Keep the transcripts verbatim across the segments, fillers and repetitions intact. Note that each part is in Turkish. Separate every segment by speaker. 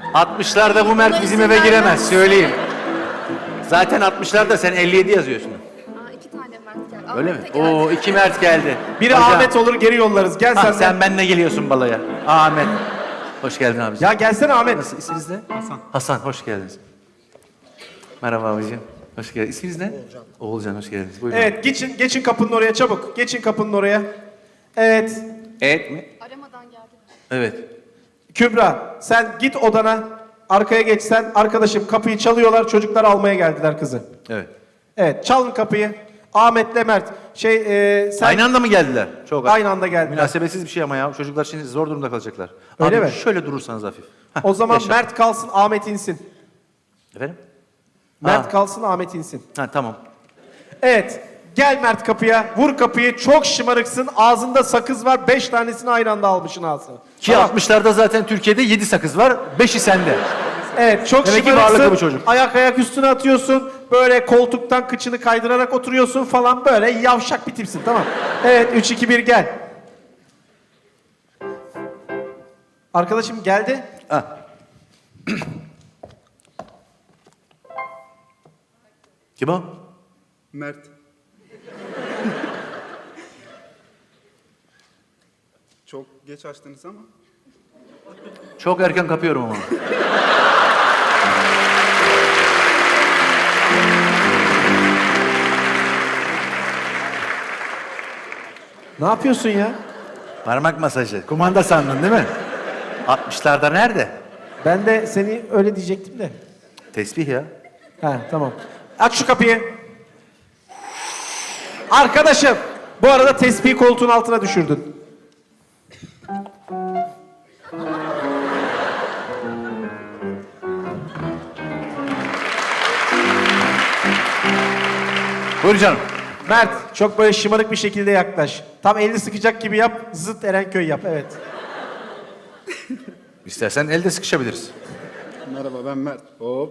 Speaker 1: altmışlarda bu Mert bizim eve giremez, söyleyeyim. Zaten altmışlarda sen elli yedi yazıyorsun.
Speaker 2: Aa, iki tane Mert geldi.
Speaker 1: Öyle mi?
Speaker 2: Ahmet de geldi.
Speaker 1: Oo, iki Mert geldi.
Speaker 3: Biri
Speaker 1: Hocam.
Speaker 3: Ahmet olur, geri yollarız. Gel
Speaker 1: Ha,
Speaker 3: sen.
Speaker 1: sen
Speaker 3: de.
Speaker 1: benimle geliyorsun balaya. Ahmet. Hoş geldin abicim.
Speaker 3: Ya gelsene Ahmet.
Speaker 1: Nasıl, isminiz ne? Hasan. Hasan, hoş geldiniz. Merhaba abicim. Hoş geldiniz. İsminiz ne? Oğulcan. Oğulcan, hoş geldiniz. Buyurun.
Speaker 3: Evet, geçin geçin kapının oraya çabuk. Geçin kapının oraya. Evet.
Speaker 1: Evet mi?
Speaker 2: Aramadan geldi.
Speaker 1: Evet.
Speaker 3: Kübra, sen git odana. Arkaya geç sen. Arkadaşım kapıyı çalıyorlar. Çocuklar almaya geldiler kızı.
Speaker 1: Evet.
Speaker 3: Evet, çalın kapıyı. Ahmet'le Mert. Şey, e, sen
Speaker 1: Aynı anda mı geldiler? Çok
Speaker 3: Aynı anda geldiler.
Speaker 1: Münasebetsiz bir şey ama ya. Çocuklar şimdi zor durumda kalacaklar.
Speaker 3: Öyle
Speaker 1: Abi,
Speaker 3: mi?
Speaker 1: şöyle durursanız hafif. Heh,
Speaker 3: o zaman
Speaker 1: yaşa.
Speaker 3: Mert kalsın, Ahmet insin.
Speaker 1: Efendim?
Speaker 3: Mert
Speaker 1: Ha.
Speaker 3: kalsın, Ahmet insin.
Speaker 1: Ha, tamam.
Speaker 3: Evet. Gel Mert kapıya. Vur kapıyı. Çok şımarıksın. Ağzında sakız var. Beş tanesini aynı anda almışsın ağzına.
Speaker 1: Ki
Speaker 3: Tamam.
Speaker 1: altmışlarda zaten Türkiye'de yedi sakız var. beşi sende.
Speaker 3: Evet, çok
Speaker 1: Demek ki
Speaker 3: şımarıksın.
Speaker 1: varlıklı bu çocuk.
Speaker 3: Ayak ayak üstüne atıyorsun. Böyle koltuktan kıçını kaydırarak oturuyorsun falan. Böyle yavşak bir tipsin, tamam. Evet, üç iki bir gel. Arkadaşım geldi.
Speaker 1: Ha. Kim o?
Speaker 4: Mert. Çok geç açtınız ama.
Speaker 1: Çok erken kapıyorum ama.
Speaker 3: Ne yapıyorsun ya?
Speaker 1: Parmak masajı. Kumanda sandın değil mi? altmışlarda nerede?
Speaker 3: Ben de seni öyle diyecektim de.
Speaker 1: Tesbih ya.
Speaker 3: Ha, tamam. Aç şu kapıyı. Arkadaşım, bu arada tespihi koltuğun altına düşürdün.
Speaker 1: Buyur canım.
Speaker 3: Mert, çok böyle şımarık bir şekilde yaklaş. Tam elini sıkacak gibi yap, zıt Erenköy yap, evet.
Speaker 1: İstersen elde sıkışabiliriz.
Speaker 4: Merhaba ben Mert. Hop.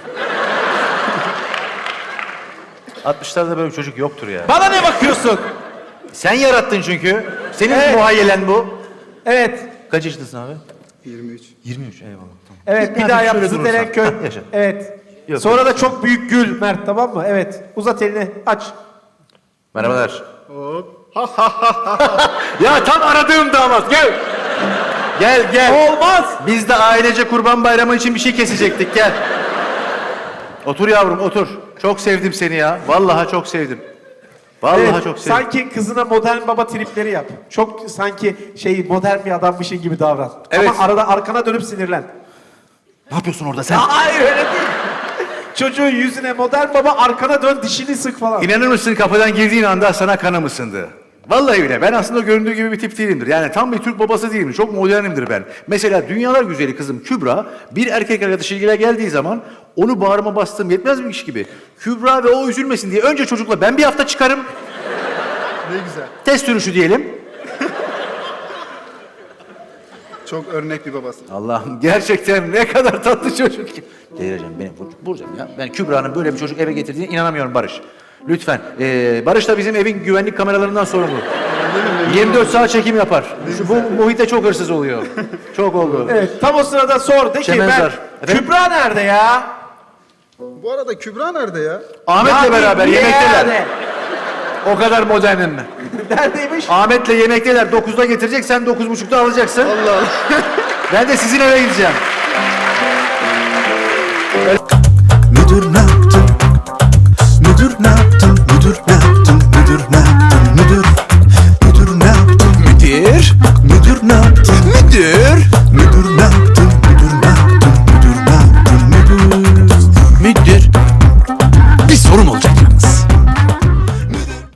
Speaker 1: altmışlarda böyle bir çocuk yoktur ya.
Speaker 3: Bana ne bakıyorsun?
Speaker 1: Sen yarattın çünkü. Senin
Speaker 3: Evet.
Speaker 1: muhayyelen bu.
Speaker 3: Evet,
Speaker 1: Kaç yaşındasın abi?
Speaker 4: yirmi üç.
Speaker 1: yirmi üç, eyvallah. Tamam.
Speaker 3: evet bir
Speaker 1: Hafif
Speaker 3: daha yap,
Speaker 1: şöyle
Speaker 3: zıt
Speaker 1: durursan.
Speaker 3: Erenköy.
Speaker 1: Hah, yaşa.
Speaker 3: Evet.
Speaker 1: Yok.
Speaker 3: Sonra da çok büyük gül Mert, tamam mı? Evet, uzat elini, aç.
Speaker 1: Merhabalar.
Speaker 4: Hop.
Speaker 1: Ya tam aradığım damat, gel. Gel gel.
Speaker 3: Olmaz.
Speaker 1: Biz de ailece Kurban Bayramı için bir şey kesecektik, gel. Otur yavrum, otur. Çok sevdim seni ya. Vallahi çok sevdim. Vallahi
Speaker 3: Evet,
Speaker 1: çok sevdim.
Speaker 3: sanki kızına modern baba tripleri yap. Çok sanki şey modern bir adammışın gibi davran.
Speaker 1: Evet.
Speaker 3: Ama arada arkana dönüp sinirlen.
Speaker 1: Ne yapıyorsun orada sen?
Speaker 3: Hayır öyle değil. Çocuğun yüzüne modern baba arkana dön dişini sık falan.
Speaker 1: İnanır mısın, kapıdan girdiğin anda sana kanım ısındı. Vallahi öyle. Ben aslında göründüğü gibi bir tip değilimdir. Yani tam bir Türk babası değilim. Çok modernimdir ben. Mesela dünyalar güzeli kızım Kübra bir erkek arkadaşıyla geldiği zaman onu bağrıma bastığım yetmez mi iş gibi. Kübra ve o üzülmesin diye önce çocukla ben bir hafta çıkarım.
Speaker 4: Ne güzel.
Speaker 1: Test sürüşü diyelim.
Speaker 4: Çok örnek bir babası.
Speaker 1: Allah'ım gerçekten ne kadar tatlı çocuk ki. Delireceğim beni vur- vuracağım ya. Ben Kübra'nın böyle bir çocuk eve getirdiğine inanamıyorum Barış. Lütfen. Ee, Barış da bizim evin güvenlik kameralarından sorumlu. yirmi dört saat çekim yapar. Şu, bu muhite çok hırsız oluyor. Çok oldu.
Speaker 3: Evet, tam o sırada sor de ki
Speaker 1: Çemenzar.
Speaker 3: ben
Speaker 1: Efendim?
Speaker 3: Kübra nerede ya?
Speaker 4: Bu arada Kübra nerede ya?
Speaker 1: Ahmet'le
Speaker 3: Ya
Speaker 1: beraber
Speaker 3: niye
Speaker 1: yemekteler.
Speaker 3: yani?
Speaker 1: O kadar modernim ben.
Speaker 3: Neredeymiş?
Speaker 1: Ahmet'le yemekteler. dokuzda getirecek, sen dokuz buçukta alacaksın.
Speaker 4: Allah Allah.
Speaker 1: Ben de sizin eve gideceğim.
Speaker 5: Müdür ne